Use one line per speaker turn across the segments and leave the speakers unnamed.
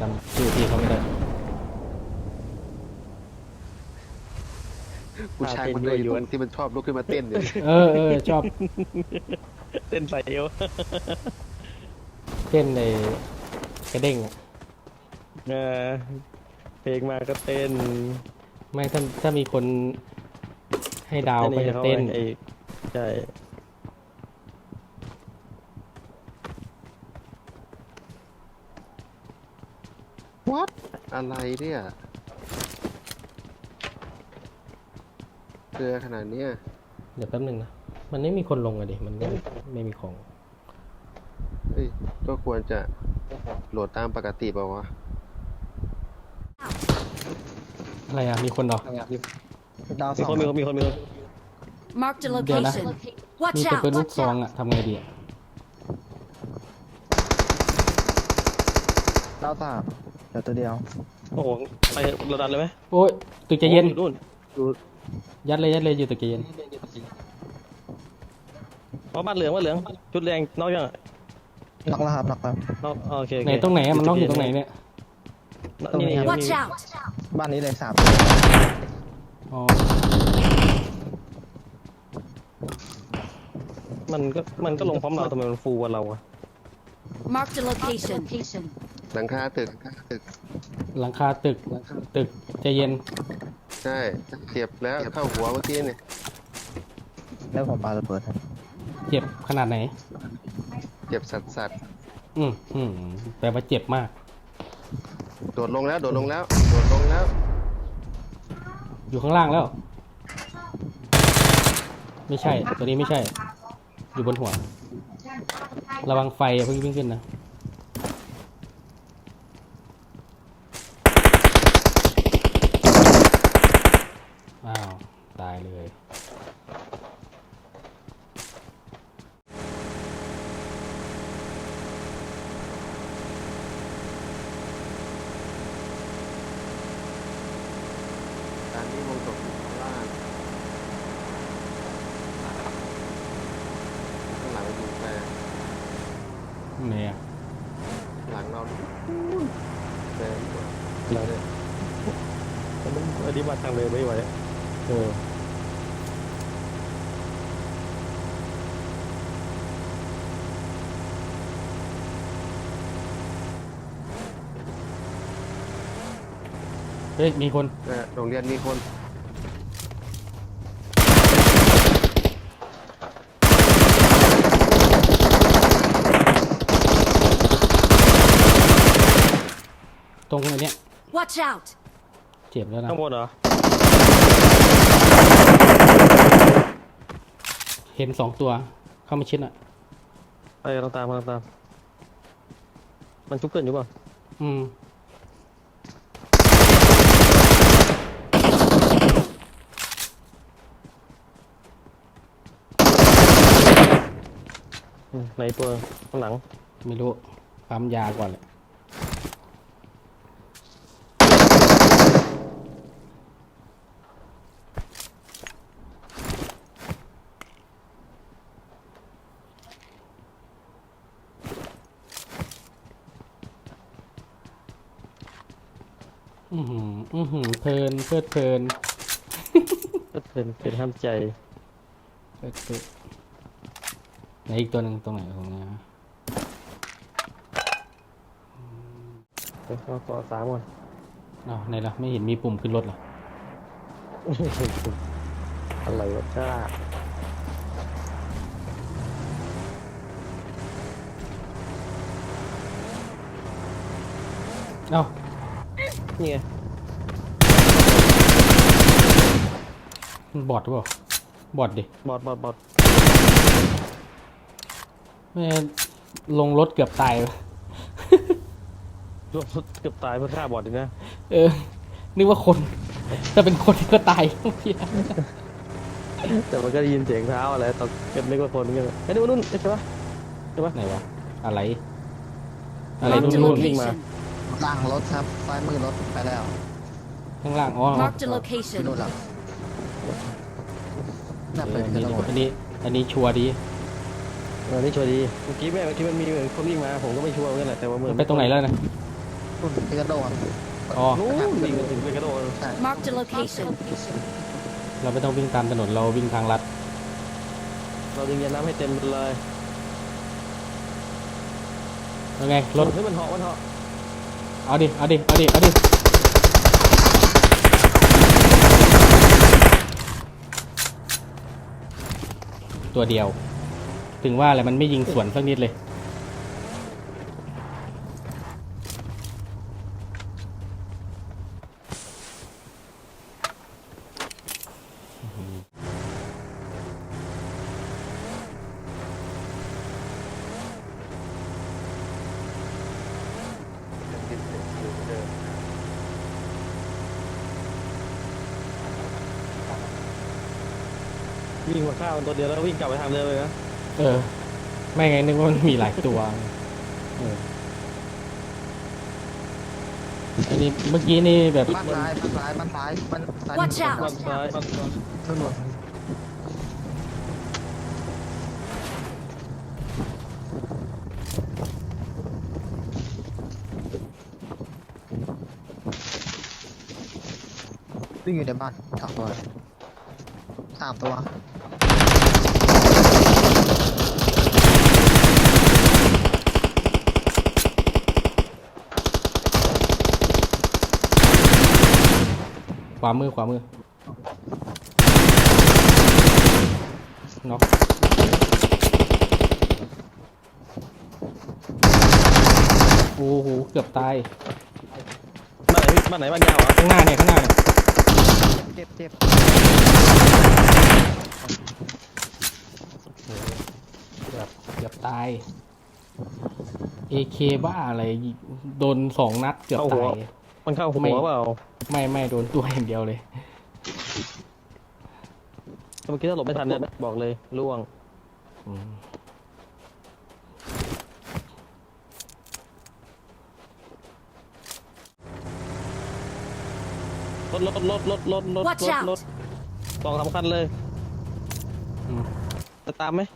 จำชื่อพี่เขาไม่ได้
ผู้ชายคนเลยพวกที่มันชอบลุกขึ้นมาเต้นเนี่ย
ชอบ
เต้นใส่เอว
เต้นในกระเด้งอะ
เออเพลงมาก็เต้น
ไม่ถ้ามีคนให้ดาวก็จะ
ขา
เต้น
ไอ้ใช่
What อะไรเนี่ยเกลือขนาดเนี้ย
เดี๋ยวแป๊บนึงนะ มันไม่มีคนลงอะดิ มันไม่มีของ
เฮ้ยก็ควรจะโหลดตามปกติเปล่าวะ
อะไรอ่ะ มีคนเหรอ
ดาวส
มี
อง
คนมีคนมีคนมีคน
Marked a
Dia dah.
location.
มี
Watch
แต่
out!
ปืนลูก
Watch
ซอง
out!
อ่ะทำไงดีอ่ะ
ดาวสามเดี๋ยวตัวเดียว
โอ้โหไปเราดันเลยไหม
โอ้ยตึกใจเย็น
โอ้นู่นดู
ยัดเลยอยู่ตึกใจเย็น
อ๋อบ้านเหลืองชุดแดงนอกยังอะ
น็อกแล้วครับน็อกแล้ว
นอกโอเค
ไหนตรงไหนอะมันล็อกอยู่ตรงไหนเนี่ย
นี่นี่
Watch out!
บ้านนี้เลยสาม
อ๋อ
มันก็ลงพร้อมเราทำไมมันฟูกว่าเราอะ
Marked a location.
หลังคาตึก
หลังคาตึกใจเย็น
ใช่เจ็บแล้วเข้าหัวเมื่อกี้เนี่ย
แล้วผมปาระเบิดครับ
เจ็บขนาดไหน
เจ็บสัส
แปลว่าเจ็บมาก
ๆโดดลงแล้วโดดลงแล้ว
อยู่ข้างล่างแล้ว ไม่ใช่ ตัวนี้ไม่ใช่ อยู่บนหัว ระวังไฟอย่าเพิ่งวิ่งขึ้นนะ อ้าว ตายเลย
การที่วงจบอยู่ข้างล่างข้างหลังอยู่แต่
เนี่ย
หลังเราแต่
เราเนี่ยอันนี้มาทางเลยไม่ไหว
เออ เฮ้ย มีคน
โรงเรียนมีคน
ตรงไอ้เนี้ย
Watch out!
เจ็บแล้วนะ
ข้างบนเหรอ
เห็น2 ตัว เข้ามาชิดอ่ะ
ไปเราตามมันชุบเกินอยู่เปล่า
อืม
ในตัวข้างหลัง
ไม่รู้ ปั๊มยาก่อนเลย เพลินเพลิดเพลิน
ก็เป็นห้ามใจ
เพลิดเพลินไหนอีกตัวหนึ่งตรงไหนตรงนี้นะ
เดี๋ยวเราต่อ3ก่อน
อ้าวไหนล่ะ ไม่เห็นมีปุ่มขึ้นรถเหรอ
อะไรวะจ้า
เอ้า
นี่ไง
มันบอดหรือเปล่า บอดดิ
บอด
ไม่ลงรถเกือบตายเลย
รถเกือบตายเพื่อฆ่าบอดเลยนะ
เออ นึกว่าคน ถ้าเป็นคนก็ตายเมื่อกี้
แต่มันก็ได้ยินเสียงเท้าอะไรตอนเก็บนึกว่าคนกันไอ้นู่นใช่ปะ
ไหนวะ อะไร อะไร
Marked a
นู่น
วิ่งมา
location.
ล่างรถครับซ้ายมือรถไปแล้ว
ข้างล่าง อ๋อ
Marked a
ที่
location.
นู่นหลังน่า
เอ
เป็
อน อัน
กัน
นี้
แล้ว
อันนี้ชัวร์ดี
นี่ชัวร์ดีเมื่อกี้แม่เมื่อกี้มันมีคนวิ่งมาผมก็ไม่ชัวร์เหมือนกันแหละแต่ว่า
มันไปตรงไหนแล้วนะ
รุ่นพิกาโดครับ
อ๋อ
นู้นวิ่งถึงไปกระโดด
ใช่
Marked a location.
เราไม่ต้องวิ่งตามถนนเราวิ่งทางลัด
เราดึงยาน้ำให้เต็มเลย
ยังไงรถ
ให้มันเหาะมันเหาะ
เอาดิเอาดิเอาดิเอาดิตัวเดียว ถึงว่าอะไรมันไม่ยิงสวนสักนิดเลย
ยังกินเสร็จอยู่เหมือนเดิม
วิ่งมาฆ่ามันตัวเดียวแล้ววิ่งกลับไปทางเดิมเลยนะ
เออ ไม่ไงนึกว่ามันมีหลายตัวเอออันนี้เมื่อกี้นี่แบบ
บ้านซ้ายบ้านซ้ายบ้านซ้ายบ้านซ้าย
Watch out
ฝั่งซ้ายฝั่งซ้าย
ตำรวจวิ่งอยู่ในบ้านสองตัวสามตัว
ขวามือขวามือน็อกโอ้โหเกือบตาย
บ้านไหนบ้านยาวเหรอ
ข้างหน้าเนี่ยข้างหน้าเนี่ย
เจ็บเจ็บ
เกือบตาย AK บ้าอะไรโดน2 นัดเกือบตาย
มันเข้าหัวเปล่า
ไม่โดนตัวอย่างเดียวเลย
เมื่อกี้ถ้าหลบไม่ทันเนี่ยบอกเลยล่วง
อืม
รถ
Watch out
สองสำคัญเลย
อืม
จะตามไหม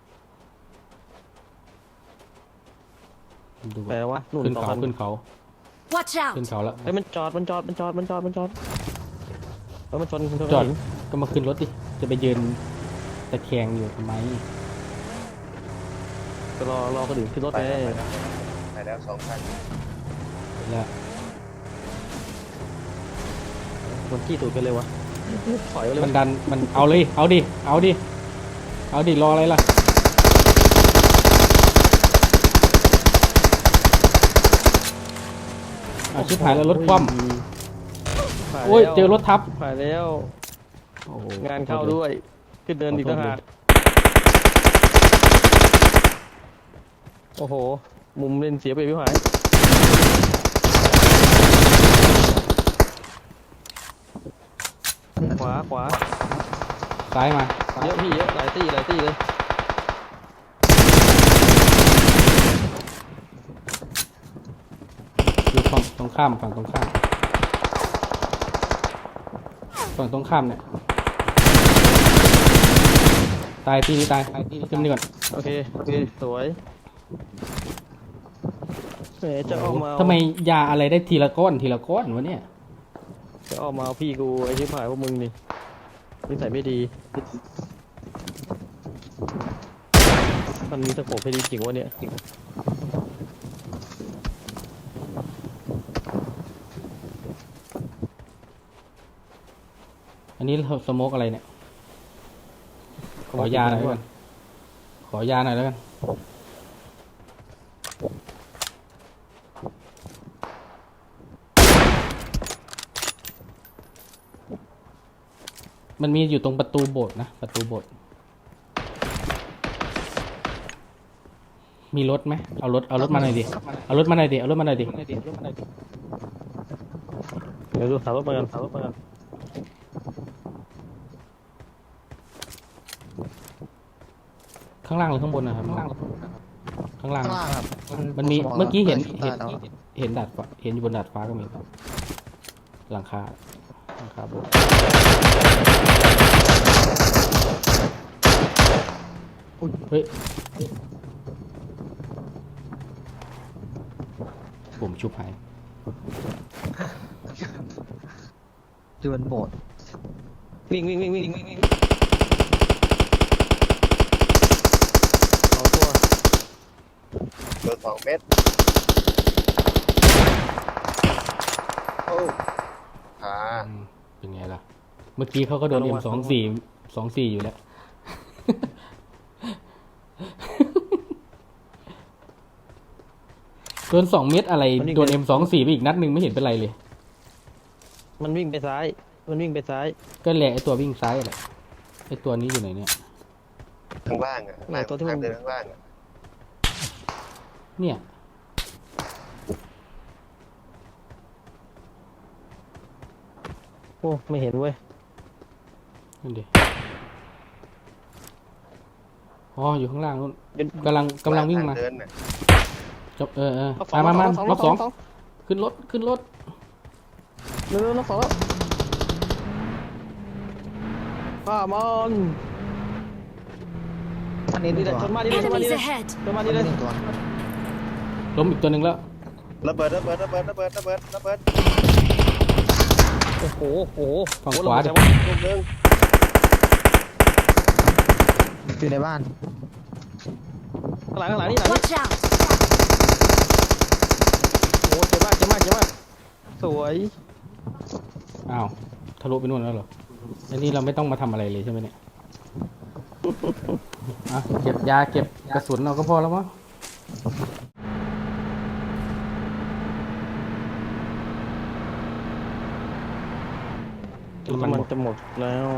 ดู
แปลว่านู่น
ขึ้น
สอง
เขา
คัน
ขึ้นเขา
Watch
ขึ้น
out!
เขาแล้ว
เฮ้ยมันจอดแล้วมันชน
จอด
หิน
ก็มาขึ้นรถดิจะไปยืนตะแคงอยู่ทำไม
ก็รอคนอื่นขึ้นรถ
ไป
ไง
แล้วไปแล้ว2 คัน
แล้ว
มันขี้ตูดกันเลยวะถอยไปเลย
มันดันมันเอาเลยเอาดิเอาดิเอาดิรออะไรล่ะเอาชิบหายแล้วรถคว่ำโอ้ยเจอรถทับ
ผ่านแล้ว
โอ้โห
งานเข้าด้วย ขึ้นเดินอีกต่างหากโอ้โห มุมเล่นเสียไปพี่หายขวา
ซ้ายมา
เยอะพี่เยอะหลายตี้เลย
อยู่ฝั่งตรงข้ามฝั่งตรงข้ามเนี่ยตายตีนี้ตายขึ้นนี่ก่อน
โอเคสวยแหมจะออกมา
ทำไมยาอะไรได้ทีละก้อนวะเนี่ย
จะออกมาเอาพี่กูไอ้ชิบหายพวกมึงนี่นิสัยไม่ดีมันมีตะโขบให้ดีจริงวะเนี่ย
อันนี้เราสโมกอะไรเนี่ย ขอยาหน่อยแล้วกันขอยาหน่อยแล้วกันมันมีอยู่ตรงประตูโบสถ์นะประตูโบสถ์มีรถไหมเอารถมาหน่อยดิเอารถมาหน่อยดิ
เดี๋ยวดูสาวรถมากัน
ข้างล่างหรือข้างบนนะครับข้างล่าง
ข้างล่างครับ
มันมีเมื่อกี้เห็น
ได้แล้ว
เห็นดาดฟ้าเห็นอยู่บนดาดฟ้าก็มีหลังคาโบสถ์เฮ้ยผมชุบหาย
ดวลโหมด
วิ่งเอาตัว
โดน2 เม็ดโอ้ขา
อืมเป็นไงล่ะ เมื่อกี้เขาก็โดน M24 อยู่แล้ว โดน2 เม็ดอะไร โดน M24 ไปอีกนัดหนึ่งไม่เห็นเป็นไรเลย
มันวิ่งไปซ้าย
ก็แหละไอตัววิ่งซ้ายแหละไอตัวนี้อยู่ไหนเนี่ย
ข้างล่างอ่ะ
ไหนตัวที่มัน
ทางเดินข้างล่างอ่ะ
เนี่ย
โอ้ไม่เห็นเว้ย
นั่นดิอ๋ออยู่ข้างล่างนู้น
เดี๋ยว
กำลังวิ่งมา
ทเดินน่ะ
จบมา
ล็อก
ล็อก
ส
ส
อ
อง งขึ้นรถ
เร็วล็อกสองแล้วป้ามอน
อันนี้
นี่แหละชนมาดิเลย
Enemies ahead!
ชนมา
อัน
ดิเลย
นี้ตัว
ล้มอีกตัวหนึ่งแล้ว
ระเบิด
โอ้โห
ฝั่งขวาดิ
ลูกนึง
อยู่ในบ้าน
ข้างหลังนี่หลัง
Watch out!
โอ้เจ็บมากสวย
อ้าวทะลุไปนู่นแล้วเหรออันนี้เราไม่ต้องมาทำอะไรเลยใช่ไหมเนี่ยอ่ะเก็บยาเก็บกระสุนเราก็พอแล้วมั้ง
มันจะหมดแล้ว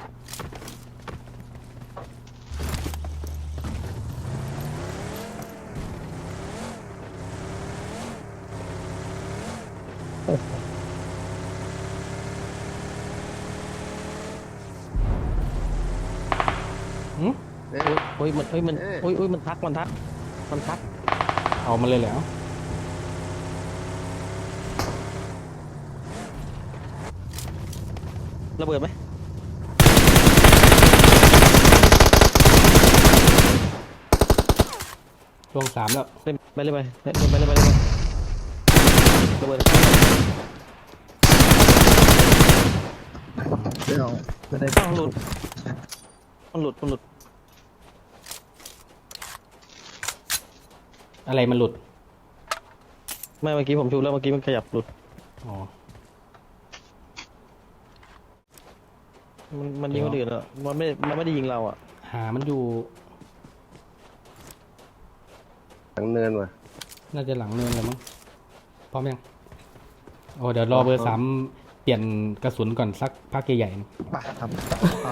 โอ้ยมันทัก
เอามาเลยแล้ว
ระเบิดไหม
ลง3แล้ว
เล่นไประเบิด
เดี๋ยวไม่ได้
อ้าวหลุดมันหลุด
อะไรมันหลุด
ไม่เมื่อกี้ผมชูแล้วเมื่อกี้มันขยับหลุด
อ๋อ
มันยิงคนอื่นอ่ะมันไม่ได้ยิงเราอ่ะ
หามันอยู่
หลังเนินว่ะ
น่าจะหลังเนินเลยมั้งพร้อมยังโอ้เดี๋ยวรอเบอร์ 3เปลี่ยนกระสุนก่อนสักพักใหญ่ๆนะ
ปะครับเอา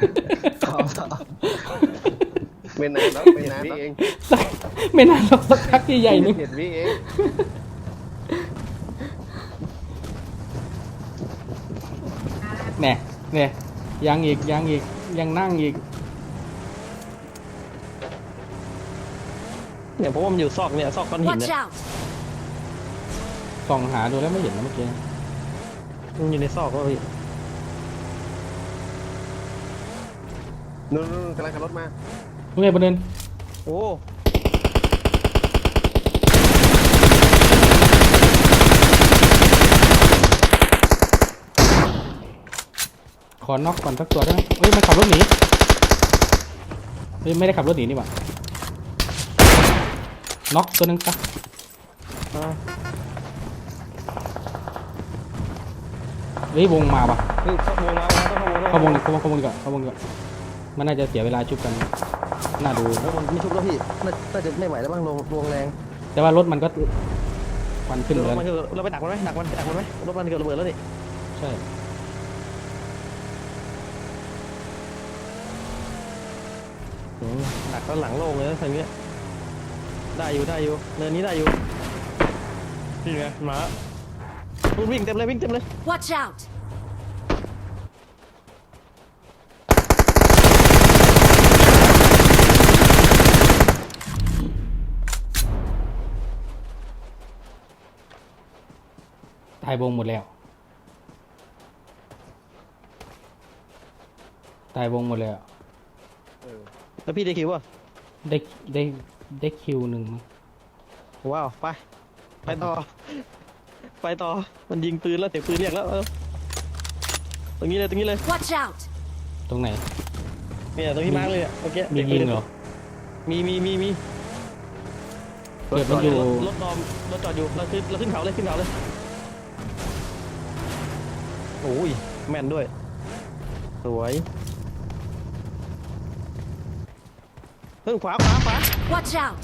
ไม่นานแล้วไม่นานเอง
สักไม่นานหรอกสักพักใหญ่ๆนึง
7 วิเอง
เนี่ยยังอีกยังนั่งอีก
เนี่ยเพราะว่ามันอยู่ซอกก้อนหิน
Watch
เนี่ย
out!
ส่องหาดูแล้วไม่เห็นนะเมื่อกี้
มันอยู่ในซอกก็พี่
นู่นกำลังขับรถมา
ลุงเอกประเด็น
โอ้
ขอน็อกก่อนสักตัวได้ไหมเฮ้ยมันขับรถหนีเฮ้ยไม่ได้ขับรถหนีนี่หว่าน็อกตัวหนึงปะ
อ่า
เฮ้ยวงมาปะ
เฮ้ยเข้าวงมาต้อง
เข้าวงดีกว่ามันน่าจะเสียเวลาชุบกันน่าดู
แล้วมันไม่ชุบแล้วพี่น่าจะไม่ไหวแล้วบ้างลงแรง
แต่ว่ารถมันก็ควันขึ้นแล้ว
มันคือเราไปดักมันไหมดักมันไหมรถมันเกิดระเบิดแล้วนี่
ใช่
ดักแล้วหลังโล่งเลยนะทางเนี้ยได้อยู่เนินนี้ได้อยู่นี่ไงมาวิ่งเต็มเลย
Watch out!
ตายวงหมดแล้ว
แล้วพี่ได้คิวป่ะ
ได้คิวหนึ่งมั้ง
ว้าวไปต่อไปต่อมันยิงปืนแล้วเสียงปืนเรียกแล้วตรงนี้เลยตรงนี้เลย
Watch out!
ตรงไหน
เนี่ยตรงที่มาร์กเลยเมื่อกี้
มียิงเหรอ
มี
เกิดมันอยู่
รถนอมรถจอดอยู่เราขึ้นเขาเลยขึ้นเขาเลยโอ้ยแม่นด้วยสวยเพิ่งขวา
Watch out!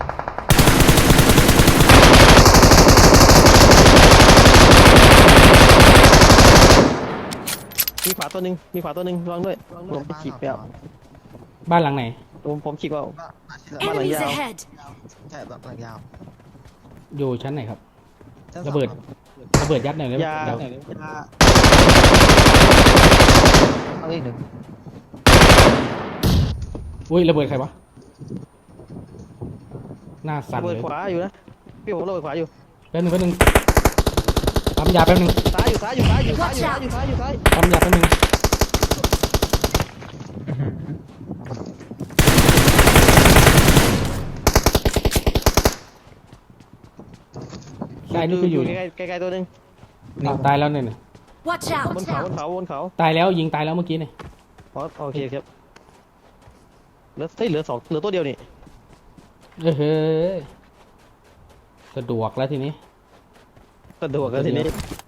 มีขวาตัวหนึ่งระวังด้วยผมไปฉีกไปเอา
บ้านหลังไหน
ผมฉีกเอา
บ้านหลัง
Enemies
yao.
ahead!
ใช่บ้านหลังยาว
อยู่ชั้นไหนครับ
ชั้น
ระเบิด
สาม
ระเบิดยัดหน่อยเลย
ยา
เดี๋ยว
เอาอีกหนึ่ง
อุ้ยระเบิดใครวะหน้าสั่น
ระเบิ
เล
ด
ย
ขวาอยู่นะพี่ผมระเบิดขวาอยู่
แป๊บนึงปั๊มยาแป๊บนึง
ซ้ายอยู่ซ้าย
Watch out
ปั๊มยาแป๊บนึงใช่นี่คืออยู่
ใกล้ตัวหนึ่ง
อ้าวตายแล้วเนี่ย
Watch
บน
out!
เขา
ตายแล้วยิงตายแล้วเมื่อกี้เนี่ย
อ๋อโอเคครับเหลือสองเหลือตัวเดียวนี่
เฮ้ยสะดวกแล้วทีนี้
สะดวกแล้วทีนี้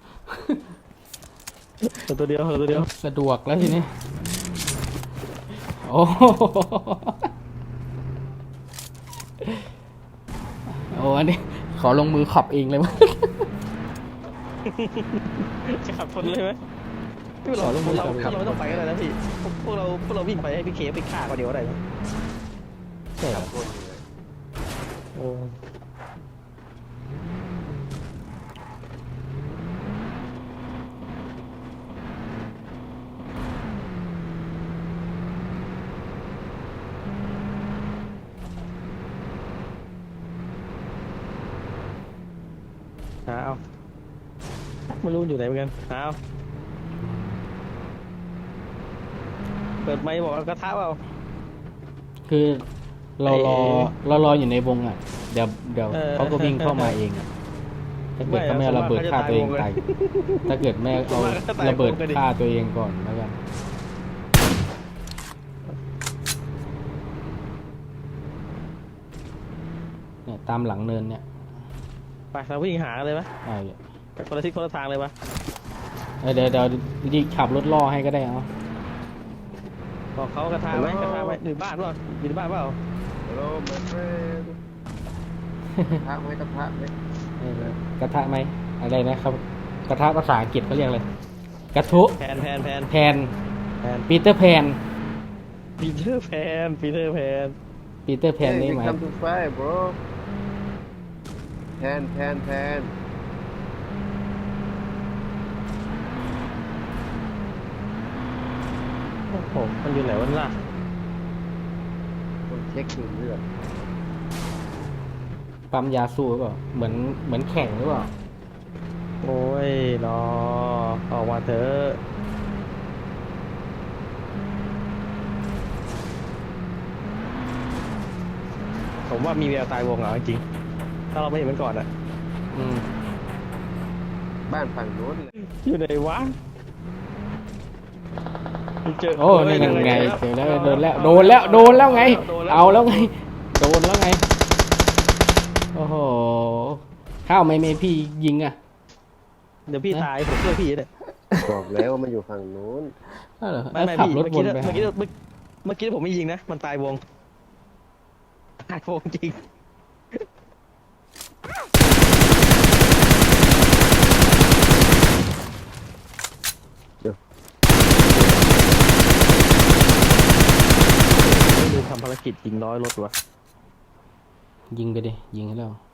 เหลือตัวเดียว
สะดวกแล้วทีนี้โอ้โหโอ้อันนี้ขอลงมือขับเองเลยมั้ย
จะขับคนเลยไหมพี่เราไม่ต้องไปก็ได้นะพี่พวกเราวิ่งไปให้พี่เคไปฆ่าก็เดี๋ยวอะไรนะใช่ครับ
คนอยู่เลย
โอ้หาเอาไม่รู้อยู่ไหนเหมือนกันหาเอาเปิดไมค์บอกว่ากระทะเปล่า
คือเรารออยู่ในวงอ่ะ เดี๋ยวเขาก็วิ่งเข้ามาเองอะถ้าเกิดเขาไม่เอาระเบิดฆ่าตัวเองตายถ้าเกิดแม่เอาระเบิดฆ่าตัวเองก่อนแล้วกันเนี่ยตามหลังเนินเนี่ย
ไปเราวิ่งหาเลยไหม
อ่า
คนละทิศคนละทางเลยปะ
เดี๋ยวยิงขับรถล่อให้ก็ได้เอา
บอกเขากระทาไหมอยู่บ้านเปล่าอยู่ในบ้านเปล่า
Hello my friend กระทะไหมกระทะไหม
กระทะไหมอะไรนะครับ กระทะภาษาอังกฤษเขาเรียกอะไรกระทุ
แพน
แพนปีเตอร์แพน
ปีเตอร์แพน
ปีเตอร์แพนนี่
Hey,
ห
we
มาย
come to fight bro แพน
โอ้โหมันอยู่ไหนวะล่ะ
ต้องเช็คดูเลือด
ปั๊มยาสู้หรือเปล่าเหมือนแข่งหรือเปล่า
โอ้ยรอออกมาเถอะผมว่ามีแววตายวงเหรอจริงๆถ้าเราไม่เห็นมันก่อนอะ
อืม
บ้านฝั่งโน้นเลย
อยู่ไหนวะเจอ
โอ้นี่ยังไงเจอแล้วโดนแล้วไง เอาแล้วไงโดนแล้วไงโอ้โหข้าวไม่พี่ยิงอ่ะ
เดี๋ยวพี่ตายผมช่วยพี่เนี่ย
บอกแล้วว่ามันอยู่ฝั่งโน้น
อ้าวเหรอ
ไม่
ขับ
พี่
รถวนไป
เมื่อกี้ผมไม่ยิงนะมันตายวงจริงไม่ลืมทำภารกิจยิงน้อยรถวะ
ยิงไปดิยิงให้แล้ว